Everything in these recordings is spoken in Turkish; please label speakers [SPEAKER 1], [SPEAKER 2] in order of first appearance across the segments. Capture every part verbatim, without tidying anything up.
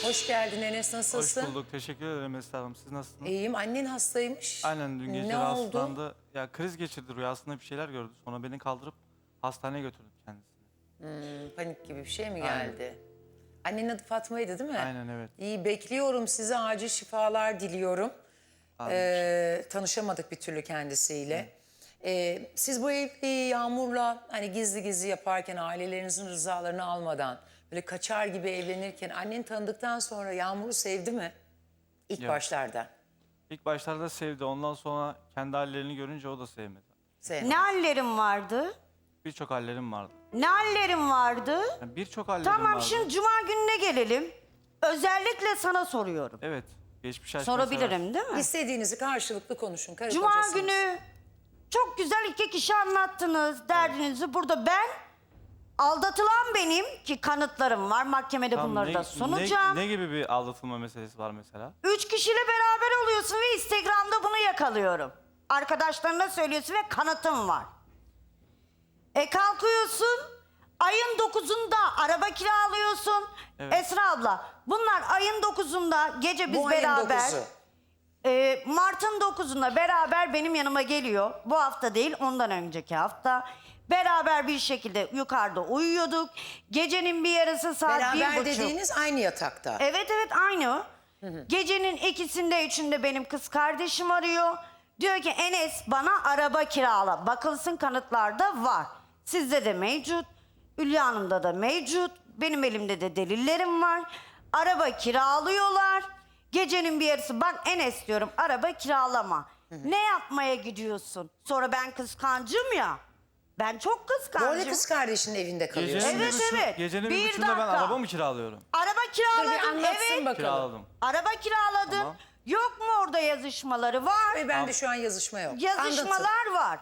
[SPEAKER 1] Hoş geldin Enes, nasılsın?
[SPEAKER 2] Hoş bulduk. Teşekkür ederim Esra Hanım. Siz nasılsınız?
[SPEAKER 1] İyiyim. Annen hastaymış.
[SPEAKER 2] Aynen dün gece
[SPEAKER 1] Ne
[SPEAKER 2] rahatsızlandı.
[SPEAKER 1] oldu?
[SPEAKER 2] Ya kriz geçirdi, rüyasında bir şeyler gördü. Sonra beni kaldırıp hastaneye götürdüm kendisini.
[SPEAKER 1] Hmm, panik gibi bir şey mi
[SPEAKER 2] Aynen.
[SPEAKER 1] geldi? Annenin adı Fatma'ydı değil mi?
[SPEAKER 2] Aynen, evet.
[SPEAKER 1] İyi, bekliyorum. Size acil şifalar diliyorum. Ee, tanışamadık bir türlü kendisiyle. Ee, siz bu evliliği Yağmur'la hani gizli gizli yaparken, ailelerinizin rızalarını almadan, böyle kaçar gibi evlenirken, annen tanıdıktan sonra Yağmur'u sevdi mi? İlk
[SPEAKER 2] Yok.
[SPEAKER 1] başlarda.
[SPEAKER 2] İlk başlarda sevdi. Ondan sonra kendi hallerini görünce o da sevmedi.
[SPEAKER 1] Sevmedi.
[SPEAKER 3] Ne hallerim vardı?
[SPEAKER 2] Birçok hallerim vardı.
[SPEAKER 3] Ne hallerim vardı?
[SPEAKER 2] Yani Birçok hallerim
[SPEAKER 3] Tamam,
[SPEAKER 2] vardı.
[SPEAKER 3] şimdi cuma gününe gelelim. Özellikle sana soruyorum.
[SPEAKER 2] Evet. Geçmiş aşkına
[SPEAKER 3] Sorabilirim
[SPEAKER 2] seversin.
[SPEAKER 3] değil mi?
[SPEAKER 1] İstediğinizi karşılıklı konuşun. Karı
[SPEAKER 3] Cuma
[SPEAKER 1] kocasınız.
[SPEAKER 3] günü çok güzel iki kişi anlattınız derdinizi. Burada ben, aldatılan benim ki kanıtlarım var. Mahkemede
[SPEAKER 2] Tamam,
[SPEAKER 3] bunları
[SPEAKER 2] ne,
[SPEAKER 3] da sunacağım.
[SPEAKER 2] Ne, ne gibi bir aldatılma meselesi var mesela?
[SPEAKER 3] Üç kişiyle beraber oluyorsun ve Instagram'da bunu yakalıyorum. Arkadaşlarına söylüyorsun ve kanıtım var. E kalkıyorsun, ayın dokuzunda araba kiralıyorsun.
[SPEAKER 2] Evet.
[SPEAKER 3] Esra abla, bunlar ayın dokuzunda gece biz
[SPEAKER 1] Bu ayın
[SPEAKER 3] beraber...
[SPEAKER 1] dokuzu.
[SPEAKER 3] e, Mart'ın dokuzunda beraber benim yanıma geliyor. Bu hafta değil, ondan önceki hafta. Beraber bir şekilde yukarıda uyuyorduk. Gecenin bir yarısı saat bir
[SPEAKER 1] Beraber
[SPEAKER 3] buçuk.
[SPEAKER 1] dediğiniz aynı yatakta.
[SPEAKER 3] Evet evet aynı. Gecenin ikisinde üçünde benim kız kardeşim arıyor. Diyor ki Enes bana araba kirala. Bakılsın kanıtlarda var. Sizde de mevcut. Hülya Hanım'da da mevcut. Benim elimde de delillerim var. Araba kiralıyorlar. Gecenin bir yarısı bak Enes diyorum araba kiralama. Ne yapmaya gidiyorsun? Sonra ben kıskancım ya. Ben çok
[SPEAKER 1] Bu arada
[SPEAKER 3] kıskancım.
[SPEAKER 1] kız kardeşinin evinde kalıyorsun.
[SPEAKER 2] Gecenin
[SPEAKER 3] Evet,
[SPEAKER 2] bir, buçu-
[SPEAKER 3] evet.
[SPEAKER 2] Gecenin
[SPEAKER 3] Bir
[SPEAKER 2] bir buçuğunda ben
[SPEAKER 3] dakika.
[SPEAKER 2] araba mı kiralıyorum?
[SPEAKER 3] Araba
[SPEAKER 1] Dur bir
[SPEAKER 3] kiraladım
[SPEAKER 1] anlatsın
[SPEAKER 3] evet.
[SPEAKER 1] bakalım.
[SPEAKER 2] Kiraladım.
[SPEAKER 3] Araba kiraladım.
[SPEAKER 2] Tamam.
[SPEAKER 3] Yok mu orada yazışmaları? Var.
[SPEAKER 1] Ve bende şu an yazışma yok. Anlatın.
[SPEAKER 3] Yazışmalar var.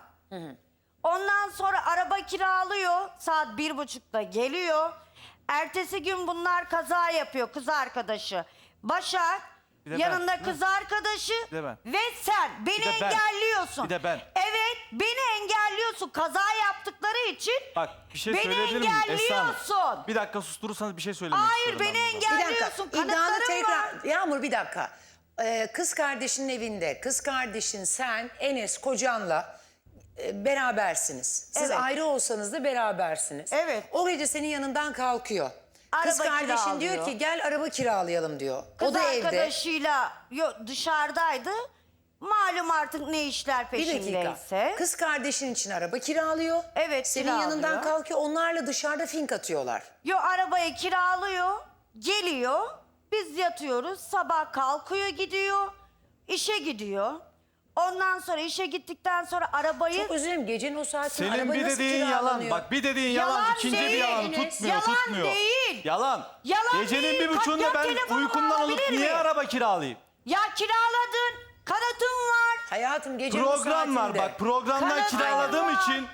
[SPEAKER 3] Ondan sonra araba kiralıyor. Saat bir buçukta geliyor. Ertesi gün bunlar kaza yapıyor kız arkadaşı. Başak,
[SPEAKER 2] Bir de ben.
[SPEAKER 3] yanında kız arkadaşı
[SPEAKER 2] Bir de ben.
[SPEAKER 3] ve sen beni
[SPEAKER 2] Bir de ben.
[SPEAKER 3] engelliyorsun.
[SPEAKER 2] Bir de ben.
[SPEAKER 3] Evet, beni engelliyorsun kaza yaptıkları için.
[SPEAKER 2] Bak bir şey
[SPEAKER 3] beni
[SPEAKER 2] söyleyebilir miyim Esra Hanım?
[SPEAKER 3] engelliyorsun.
[SPEAKER 2] Bir dakika susturursanız bir şey söylemek
[SPEAKER 3] Hayır,
[SPEAKER 2] istiyorum.
[SPEAKER 3] beni
[SPEAKER 2] ben burada.
[SPEAKER 1] Bir dakika.
[SPEAKER 3] engelliyorsun.
[SPEAKER 1] İddianı
[SPEAKER 3] Kanıtlarım
[SPEAKER 1] tekrar...
[SPEAKER 3] var.
[SPEAKER 1] Yağmur bir dakika. Ee, kız kardeşinin evinde. Kız kardeşin sen, Enes kocanla e, berabersiniz. Siz
[SPEAKER 3] Evet.
[SPEAKER 1] ayrı olsanız da berabersiniz.
[SPEAKER 3] Evet.
[SPEAKER 1] O gece senin yanından kalkıyor. Kız
[SPEAKER 3] Araba
[SPEAKER 1] kardeşin diyor
[SPEAKER 3] kiralıyor.
[SPEAKER 1] ki gel araba kiralayalım diyor.
[SPEAKER 3] Kız
[SPEAKER 1] o da evde.
[SPEAKER 3] arkadaşıyla yo, dışarıdaydı. Malum artık ne işler
[SPEAKER 1] Bir dakika.
[SPEAKER 3] peşindeyse.
[SPEAKER 1] Kız kardeşin için araba kiralıyor.
[SPEAKER 3] Evet,
[SPEAKER 1] Senin
[SPEAKER 3] kiralıyor.
[SPEAKER 1] yanından kalkıyor. Onlarla dışarıda fink atıyorlar.
[SPEAKER 3] Yo arabayı kiralıyor, geliyor. Biz yatıyoruz. Sabah kalkıyor gidiyor. İşe gidiyor. Ondan sonra işe gittikten sonra arabayı...
[SPEAKER 1] Çok özür dilerim. Gecenin o saatinde
[SPEAKER 2] Senin
[SPEAKER 1] araba
[SPEAKER 2] bir
[SPEAKER 1] nasıl
[SPEAKER 2] dediğin yalan.
[SPEAKER 1] kiralanıyor?
[SPEAKER 2] Bak bir dediğin yalan,
[SPEAKER 3] Yalan
[SPEAKER 2] ikinci bir
[SPEAKER 3] değil
[SPEAKER 2] yalan
[SPEAKER 1] Enes.
[SPEAKER 2] tutmuyor,
[SPEAKER 3] Yalan
[SPEAKER 2] tutmuyor.
[SPEAKER 3] değil.
[SPEAKER 2] Yalan.
[SPEAKER 3] Yalan
[SPEAKER 2] Gecenin
[SPEAKER 3] değil.
[SPEAKER 2] bir buçuğunda
[SPEAKER 3] Kalk,
[SPEAKER 2] ben
[SPEAKER 3] telefonumu
[SPEAKER 2] uykumdan olup
[SPEAKER 3] alabilir
[SPEAKER 2] niye
[SPEAKER 3] miyim?
[SPEAKER 2] araba kiralayayım?
[SPEAKER 3] Ya kiraladın. Kanıtım var.
[SPEAKER 1] Hayatım gecenin o
[SPEAKER 2] Program var
[SPEAKER 1] saatinde.
[SPEAKER 2] bak, programdan
[SPEAKER 3] Kanıt
[SPEAKER 2] kiraladığım
[SPEAKER 3] var.
[SPEAKER 2] için.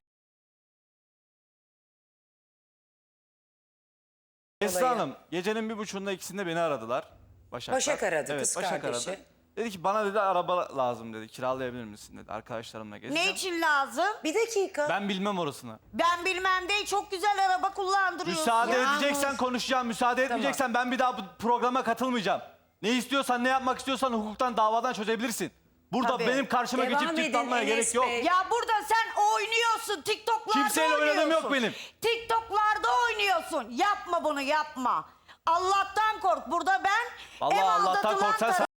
[SPEAKER 2] Esra Hanım, gecenin bir buçuğunda ikisinde beni aradılar. Başaklar.
[SPEAKER 1] Başak aradı,
[SPEAKER 2] evet,
[SPEAKER 1] kız
[SPEAKER 2] Başak
[SPEAKER 1] kardeşi.
[SPEAKER 2] aradı. Dedi ki bana dedi araba lazım dedi. Kiralayabilir misin dedi. Arkadaşlarımla gezeceğim.
[SPEAKER 3] Ne için lazım?
[SPEAKER 1] Bir dakika.
[SPEAKER 2] Ben bilmem orasını.
[SPEAKER 3] Ben bilmem değil. Çok güzel araba kullandırıyorsun.
[SPEAKER 2] Müsaade
[SPEAKER 1] Yağmur.
[SPEAKER 2] edeceksen konuşacağım. Müsaade etmeyeceksen ben bir daha bu programa katılmayacağım. Ne istiyorsan, ne yapmak istiyorsan hukuktan, davadan çözebilirsin. Burada
[SPEAKER 3] Tabii.
[SPEAKER 2] benim karşıma
[SPEAKER 1] Devam
[SPEAKER 2] geçip
[SPEAKER 1] edin
[SPEAKER 2] tıklanmaya
[SPEAKER 1] Enes
[SPEAKER 2] gerek yok.
[SPEAKER 1] Bey.
[SPEAKER 3] Ya burada sen oynuyorsun. TikTok'larda
[SPEAKER 2] Kimseyle
[SPEAKER 3] oynuyorsun.
[SPEAKER 2] oynadığım yok benim.
[SPEAKER 3] TikTok'larda oynuyorsun. Yapma bunu yapma. Allah'tan kork. Burada ben
[SPEAKER 2] Vallahi
[SPEAKER 3] ev
[SPEAKER 2] Allah'tan
[SPEAKER 3] aldatılan
[SPEAKER 2] kork. Sen,
[SPEAKER 3] taraf-
[SPEAKER 2] sen...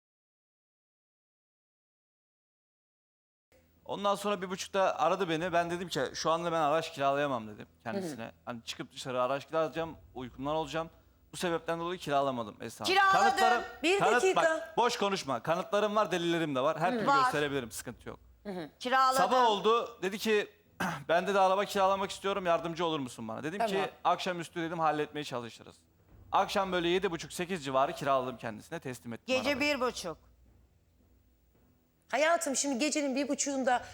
[SPEAKER 2] Ondan sonra bir buçukta aradı beni. Ben dedim ki şu anda ben araç kiralayamam dedim kendisine. Hani çıkıp dışarı araç kiralayacağım, uykumdan olacağım. Bu sebepten dolayı kiralamadım Esra Hanım.
[SPEAKER 3] Kiraladın.
[SPEAKER 1] Bir dakika.
[SPEAKER 2] Bak, boş konuşma. Kanıtlarım var, delillerim de var. Her türlü
[SPEAKER 3] Var.
[SPEAKER 2] gösterebilirim. Sıkıntı yok.
[SPEAKER 3] Kiraladım.
[SPEAKER 2] Sabah oldu. Dedi ki ben de araba kiralamak istiyorum. Yardımcı olur musun bana? Dedim
[SPEAKER 1] Tamam.
[SPEAKER 2] ki akşamüstü dedim halletmeye çalışırız. Akşam böyle yedi buçuk sekiz civarı kiraladım kendisine. Teslim ettim
[SPEAKER 3] Gece
[SPEAKER 2] arabayı.
[SPEAKER 3] bir buçuk.
[SPEAKER 1] Hayatım şimdi gecenin bir buçuğunda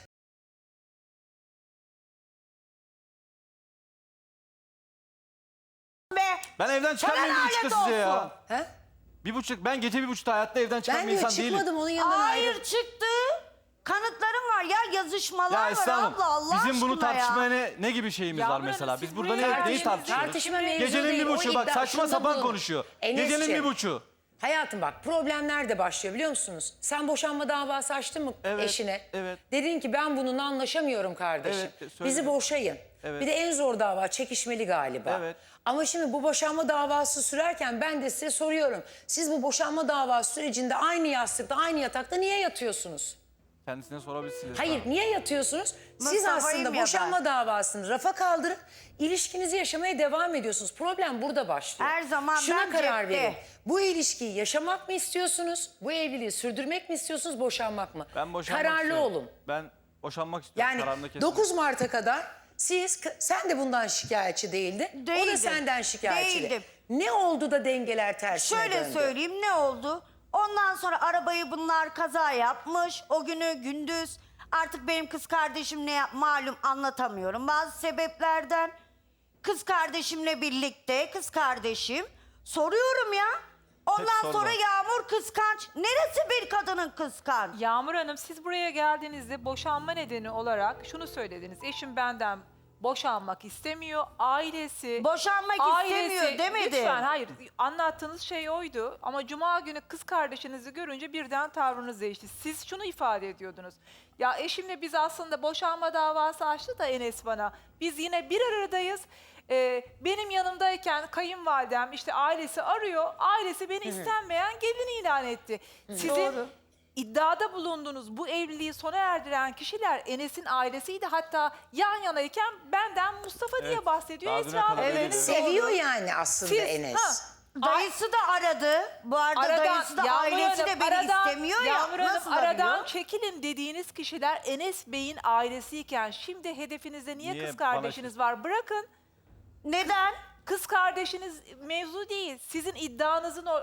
[SPEAKER 3] Be.
[SPEAKER 2] Ben evden çıkarmayayım bir
[SPEAKER 3] Sana
[SPEAKER 2] buçukta
[SPEAKER 3] lanet
[SPEAKER 2] size ya.
[SPEAKER 3] olsun.
[SPEAKER 1] he?
[SPEAKER 2] Bir buçuk, ben gece bir buçukta hayatta evden çıkan
[SPEAKER 1] Ben
[SPEAKER 2] bir
[SPEAKER 1] de
[SPEAKER 2] insan değilim.
[SPEAKER 1] çıkmadım onun yanından
[SPEAKER 3] Hayır
[SPEAKER 1] ayrı.
[SPEAKER 3] çıktı. Kanıtlarım var ya, yazışmalar
[SPEAKER 2] Ya
[SPEAKER 3] var
[SPEAKER 2] Esra Hanım,
[SPEAKER 3] abla Allah
[SPEAKER 2] bizim bunu
[SPEAKER 3] aşkına ya.
[SPEAKER 2] tartışmaya ne, ne gibi şeyimiz var
[SPEAKER 4] Yavrum,
[SPEAKER 2] mesela?
[SPEAKER 4] siz
[SPEAKER 2] Biz burada
[SPEAKER 4] buraya
[SPEAKER 2] ne, neyi
[SPEAKER 4] tartışın-
[SPEAKER 2] tartışıyoruz?
[SPEAKER 1] Tartışma mevzu
[SPEAKER 2] Gecenin
[SPEAKER 1] değil,
[SPEAKER 2] bir
[SPEAKER 1] o
[SPEAKER 2] buçuğu bak
[SPEAKER 1] iddia-
[SPEAKER 2] saçma
[SPEAKER 1] şunda
[SPEAKER 2] sapan
[SPEAKER 1] bulun.
[SPEAKER 2] konuşuyor.
[SPEAKER 1] Enes'ciğim.
[SPEAKER 2] Gecenin bir buçuğu.
[SPEAKER 1] Hayatım bak, problemler de başlıyor biliyor musunuz? Sen boşanma davası açtın mı
[SPEAKER 2] Evet,
[SPEAKER 1] eşine?
[SPEAKER 2] evet.
[SPEAKER 1] Dedin ki ben bununla anlaşamıyorum kardeşim.
[SPEAKER 2] Evet, söyledim.
[SPEAKER 1] Bizi boşayın.
[SPEAKER 2] Evet.
[SPEAKER 1] Bir de en zor dava çekişmeli galiba.
[SPEAKER 2] Evet.
[SPEAKER 1] Ama şimdi bu boşanma davası sürerken ben de size soruyorum. Siz bu boşanma davası sürecinde aynı yastıkta, aynı yatakta niye yatıyorsunuz?
[SPEAKER 2] Kendisine sorabilirsiniz.
[SPEAKER 1] Hayır,
[SPEAKER 2] Esra Hanım.
[SPEAKER 1] niye yatıyorsunuz? Siz
[SPEAKER 3] Mustafa'yım
[SPEAKER 1] aslında
[SPEAKER 3] ya
[SPEAKER 1] boşanma
[SPEAKER 3] ben.
[SPEAKER 1] davasını rafa kaldırıp ilişkinizi yaşamaya devam ediyorsunuz. Problem burada başlıyor.
[SPEAKER 3] Her zaman
[SPEAKER 1] Şuna
[SPEAKER 3] ben
[SPEAKER 1] karar
[SPEAKER 3] cepte.
[SPEAKER 1] verin. Bu ilişkiyi yaşamak mı istiyorsunuz? Bu evliliği sürdürmek mi istiyorsunuz? Boşanmak mı?
[SPEAKER 2] Ben boşanmak
[SPEAKER 1] Kararlı
[SPEAKER 2] istiyorum.
[SPEAKER 1] olun.
[SPEAKER 2] Ben boşanmak istiyorum.
[SPEAKER 1] Yani
[SPEAKER 2] Kararımda kesin.
[SPEAKER 1] dokuz Mart'a kadar siz, sen de bundan şikayetçi değildin. O da
[SPEAKER 3] Değildim.
[SPEAKER 1] senden şikayetçi.
[SPEAKER 3] Değildim.
[SPEAKER 1] Ne oldu da dengeler tersine
[SPEAKER 3] Şöyle
[SPEAKER 1] döndü?
[SPEAKER 3] söyleyeyim ne oldu? Ondan sonra arabayı bunlar kaza yapmış. O günü gündüz artık benim kız kardeşim ne yap malum anlatamıyorum. Bazı sebeplerden kız kardeşimle birlikte kız kardeşim soruyorum ya. Ondan
[SPEAKER 2] sorma.
[SPEAKER 3] sonra Yağmur kıskanç. Neresi bir kadının kıskanç?
[SPEAKER 4] Yağmur Hanım, siz buraya geldiğinizde boşanma nedeni olarak şunu söylediniz. Eşim benden boşanmak istemiyor. Ailesi...
[SPEAKER 3] Boşanmak istemiyor demedi.
[SPEAKER 4] Lütfen hayır. Anlattığınız şey oydu. Ama cuma günü kız kardeşinizi görünce birden tavrınız değişti. Siz şunu ifade ediyordunuz. Ya eşimle biz aslında boşanma davası açtı da Enes bana. Biz yine bir aradayız. Ee, benim yanımdayken kayınvalidem işte ailesi arıyor. Ailesi beni istenmeyen gelin ilan etti. Sizin
[SPEAKER 3] Doğru.
[SPEAKER 4] iddiada bulunduğunuz bu evliliği sona erdiren kişiler Enes'in ailesiydi. Hatta yan yanayken benden Mustafa diye
[SPEAKER 2] Evet.
[SPEAKER 4] bahsediyor.
[SPEAKER 2] Daha düne
[SPEAKER 4] Esra
[SPEAKER 2] kadar
[SPEAKER 4] Hanım.
[SPEAKER 2] öyleydi.
[SPEAKER 1] Seviyor yani aslında
[SPEAKER 4] Siz-
[SPEAKER 1] Enes.
[SPEAKER 4] ha,
[SPEAKER 3] Dayısı da aradı. Bu arada dayısı da
[SPEAKER 4] Yağmur
[SPEAKER 3] ailesi
[SPEAKER 4] Hanım,
[SPEAKER 3] de beni
[SPEAKER 4] aradan-
[SPEAKER 3] istemiyor ya.
[SPEAKER 4] Yağmur Hanım,
[SPEAKER 3] Nasıl
[SPEAKER 4] aradan
[SPEAKER 3] arıyor?
[SPEAKER 4] çekilin dediğiniz kişiler Enes Bey'in ailesiyken şimdi hedefinizde niye,
[SPEAKER 2] Niye
[SPEAKER 4] kız
[SPEAKER 2] bana
[SPEAKER 4] kardeşiniz
[SPEAKER 2] şey-
[SPEAKER 4] var? Bırakın.
[SPEAKER 3] Neden?
[SPEAKER 4] Kız kardeşiniz mevzu değil. Sizin iddianızın o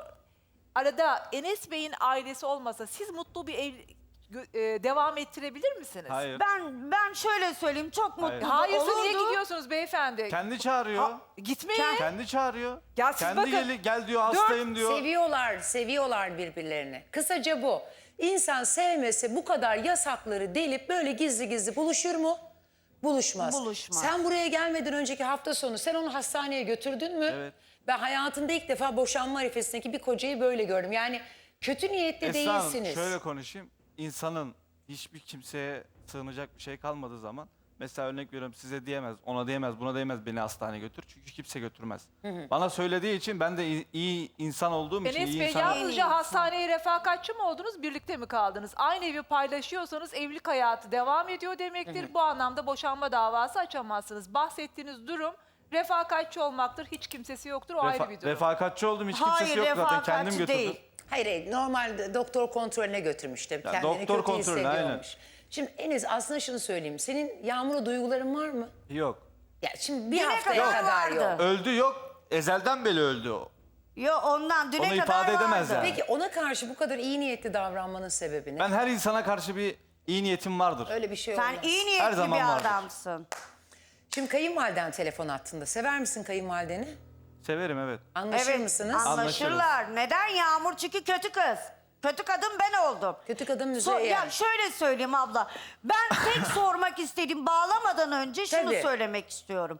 [SPEAKER 4] arada Enes Bey'in ailesi olmasa siz mutlu bir ev gö- e, devam ettirebilir misiniz?
[SPEAKER 2] Hayır.
[SPEAKER 3] Ben ben şöyle söyleyeyim çok
[SPEAKER 2] Hayır.
[SPEAKER 3] mutlu
[SPEAKER 4] Hayırsa
[SPEAKER 3] olurdu.
[SPEAKER 4] niye gidiyorsunuz beyefendi?
[SPEAKER 2] Kendi çağırıyor.
[SPEAKER 4] Gitmeyin.
[SPEAKER 2] Kendi çağırıyor.
[SPEAKER 4] Ya siz
[SPEAKER 2] Kendi
[SPEAKER 4] bakın,
[SPEAKER 2] gel, gel diyor, hastayım diyor.
[SPEAKER 1] Seviyorlar, seviyorlar birbirlerini. Kısaca bu. İnsan sevmese bu kadar yasakları delip böyle gizli gizli buluşur mu? Buluşmaz.
[SPEAKER 3] Buluşmaz.
[SPEAKER 1] Sen buraya gelmeden önceki hafta sonu sen onu hastaneye götürdün mü?
[SPEAKER 2] Evet.
[SPEAKER 1] Ben hayatımda ilk defa boşanma arifesindeki bir kocayı böyle gördüm. Yani kötü niyetli
[SPEAKER 2] Esra Hanım,
[SPEAKER 1] değilsiniz.
[SPEAKER 2] şöyle konuşayım. İnsanın hiçbir kimseye sığınacak bir şey kalmadığı zaman, mesela örnek veriyorum, size diyemez, ona diyemez, buna diyemez beni hastaneye götür. Çünkü kimse götürmez. Bana söylediği için ben de iyi, iyi insan olduğum için
[SPEAKER 4] Enes
[SPEAKER 2] iyi
[SPEAKER 4] Bey
[SPEAKER 2] insan.
[SPEAKER 4] yalnızca hastaneye refakatçi mi oldunuz, birlikte mi kaldınız? Aynı evi paylaşıyorsanız evlilik hayatı devam ediyor demektir. Bu anlamda boşanma davası açamazsınız. Bahsettiğiniz durum refakatçi olmaktır. Hiç kimsesi yoktur, o ayrı
[SPEAKER 2] Refa-
[SPEAKER 4] bir durum.
[SPEAKER 2] refakatçi oldum, hiç kimsesi
[SPEAKER 3] Hayır
[SPEAKER 2] yok zaten, kendim
[SPEAKER 3] refakatçi
[SPEAKER 2] götürdüm.
[SPEAKER 3] değil.
[SPEAKER 1] Hayır hayır, normal doktor kontrolüne götürmüş tabii.
[SPEAKER 2] Ya,
[SPEAKER 1] Kendini
[SPEAKER 2] doktor
[SPEAKER 1] kötü
[SPEAKER 2] kontrolüne, aynen.
[SPEAKER 1] hissediyormuş. Şimdi Enes aslında şunu söyleyeyim. Senin Yağmur'a duyguların var mı?
[SPEAKER 2] Yok.
[SPEAKER 1] Ya şimdi bir
[SPEAKER 3] Düne
[SPEAKER 1] haftaya
[SPEAKER 3] kadar
[SPEAKER 1] kadar
[SPEAKER 3] vardı.
[SPEAKER 1] yok.
[SPEAKER 2] Öldü yok. Ezelden beri öldü o.
[SPEAKER 3] Yo ondan düne
[SPEAKER 2] Onu
[SPEAKER 3] kadar
[SPEAKER 2] ifade edemez
[SPEAKER 3] vardı.
[SPEAKER 2] yani.
[SPEAKER 1] Peki ona karşı bu kadar iyi niyetli davranmanın sebebi ne?
[SPEAKER 2] Ben her insana karşı bir iyi niyetim vardır.
[SPEAKER 1] Öyle bir şey
[SPEAKER 3] Sen
[SPEAKER 1] olmaz.
[SPEAKER 3] iyi
[SPEAKER 2] Her
[SPEAKER 3] niyetli
[SPEAKER 2] zaman
[SPEAKER 3] bir
[SPEAKER 2] vardır.
[SPEAKER 3] adamsın.
[SPEAKER 1] Şimdi kayınvaliden telefon attığında sever misin kayınvalideni?
[SPEAKER 2] Severim, evet.
[SPEAKER 1] Anlaşır
[SPEAKER 3] Evet
[SPEAKER 1] mısınız?
[SPEAKER 3] anlaşırlar. Neden Yağmur? Çünkü kötü kız. Kötü kadın ben oldum.
[SPEAKER 1] Kötü kadın
[SPEAKER 3] So-
[SPEAKER 1] Müzeyyen.
[SPEAKER 3] ya şöyle söyleyeyim abla. Ben tek sormak istediğim bağlamadan önce şunu
[SPEAKER 1] Tabii.
[SPEAKER 3] söylemek istiyorum.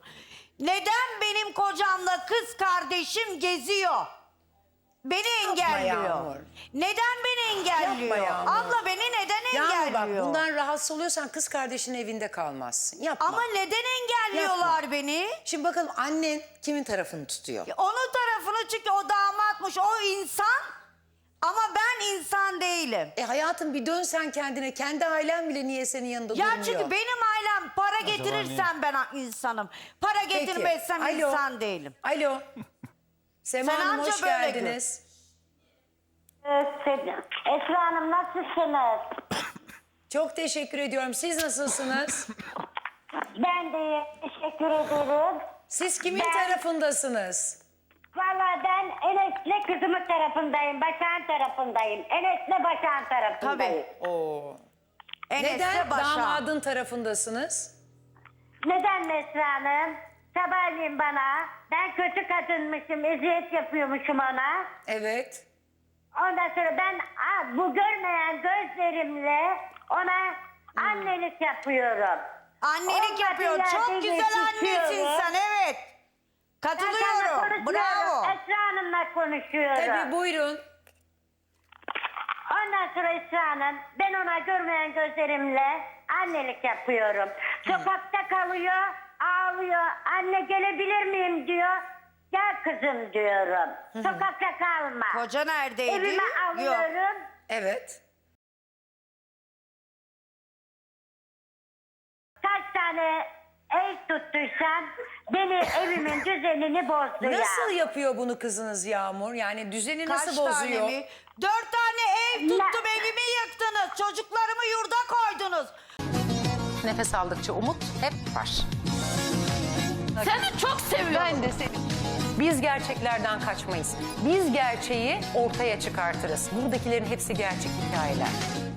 [SPEAKER 3] Neden benim kocamla kız kardeşim geziyor? Beni engelliyor.
[SPEAKER 1] Yağmur.
[SPEAKER 3] Neden beni engelliyor?
[SPEAKER 1] Yapma Yağmur.
[SPEAKER 3] Abla beni neden
[SPEAKER 1] Yağmur bak
[SPEAKER 3] engelliyor?
[SPEAKER 1] bundan rahatsız oluyorsan kız kardeşinin evinde kalmazsın. Yapma.
[SPEAKER 3] Ama neden engelliyorlar beni?
[SPEAKER 1] Şimdi bakalım annen kimin tarafını tutuyor?
[SPEAKER 3] Onun tarafını çünkü o damatmış, o insan. Ama ben insan değilim.
[SPEAKER 1] E hayatım bir dön sen kendine. Kendi ailen bile niye senin yanında
[SPEAKER 3] Ya
[SPEAKER 1] durmuyor?
[SPEAKER 3] çünkü benim ailem para getirirsen ben insanım. Para
[SPEAKER 1] Peki,
[SPEAKER 3] getirmezsem
[SPEAKER 1] alo.
[SPEAKER 3] insan değilim.
[SPEAKER 1] Alo. Sema
[SPEAKER 3] Sen
[SPEAKER 1] Hanım
[SPEAKER 3] anca
[SPEAKER 1] hoş
[SPEAKER 3] böyle
[SPEAKER 1] geldiniz.
[SPEAKER 5] Esra Hanım nasılsınız?
[SPEAKER 1] Çok teşekkür ediyorum. Siz nasılsınız?
[SPEAKER 5] Ben de iyi, teşekkür ederim.
[SPEAKER 1] Siz kimin
[SPEAKER 5] Ben-
[SPEAKER 1] tarafındasınız?
[SPEAKER 5] Valla ben Enes'le kızımın tarafındayım, Başak'ın tarafındayım. Enes'le Başak'ın tarafındayım.
[SPEAKER 1] Oo.
[SPEAKER 3] Enes'le
[SPEAKER 1] Neden
[SPEAKER 3] Başak.
[SPEAKER 1] damadın tarafındasınız?
[SPEAKER 5] Neden Esra Hanım? Sabahleyin bana, ben kötü kadınmışım, eziyet yapıyormuşum ona.
[SPEAKER 1] Evet.
[SPEAKER 5] Ondan sonra ben aa, bu görmeyen gözlerimle ona annelik yapıyorum.
[SPEAKER 3] Annelik
[SPEAKER 5] Olmadığı
[SPEAKER 3] yapıyor. Çok
[SPEAKER 5] yerde
[SPEAKER 3] güzel annesin
[SPEAKER 5] yetişiyorum.
[SPEAKER 3] sen evet.
[SPEAKER 5] Ben seninle
[SPEAKER 3] Katılıyorum.
[SPEAKER 5] konuşmuyorum,
[SPEAKER 3] Bravo.
[SPEAKER 5] Esra Hanım'la konuşuyorum.
[SPEAKER 1] Tabii buyurun.
[SPEAKER 5] Ondan sonra Esra Hanım, ben ona görmeyen gözlerimle annelik yapıyorum. Sokakta kalıyor, ağlıyor. Anne gelebilir miyim diyor. Gel kızım diyorum. Sokakta kalma.
[SPEAKER 3] Koca neredeydi?
[SPEAKER 5] Evime
[SPEAKER 3] Yok.
[SPEAKER 5] alıyorum.
[SPEAKER 1] Evet.
[SPEAKER 5] Kaç tane ev tuttuysan beni evimin düzenini bozdu ya.
[SPEAKER 1] Nasıl yapıyor bunu kızınız Yağmur? Yani düzeni
[SPEAKER 3] Kaç
[SPEAKER 1] nasıl bozuyor?
[SPEAKER 3] tane mi? Dört tane ev tuttum, evimi yıktınız. Çocuklarımı yurda koydunuz.
[SPEAKER 1] Nefes aldıkça umut hep var.
[SPEAKER 6] Seni çok seviyorum. Ben de seni.
[SPEAKER 1] Biz gerçeklerden kaçmayız. Biz gerçeği ortaya çıkartırız. Buradakilerin hepsi gerçek hikayeler.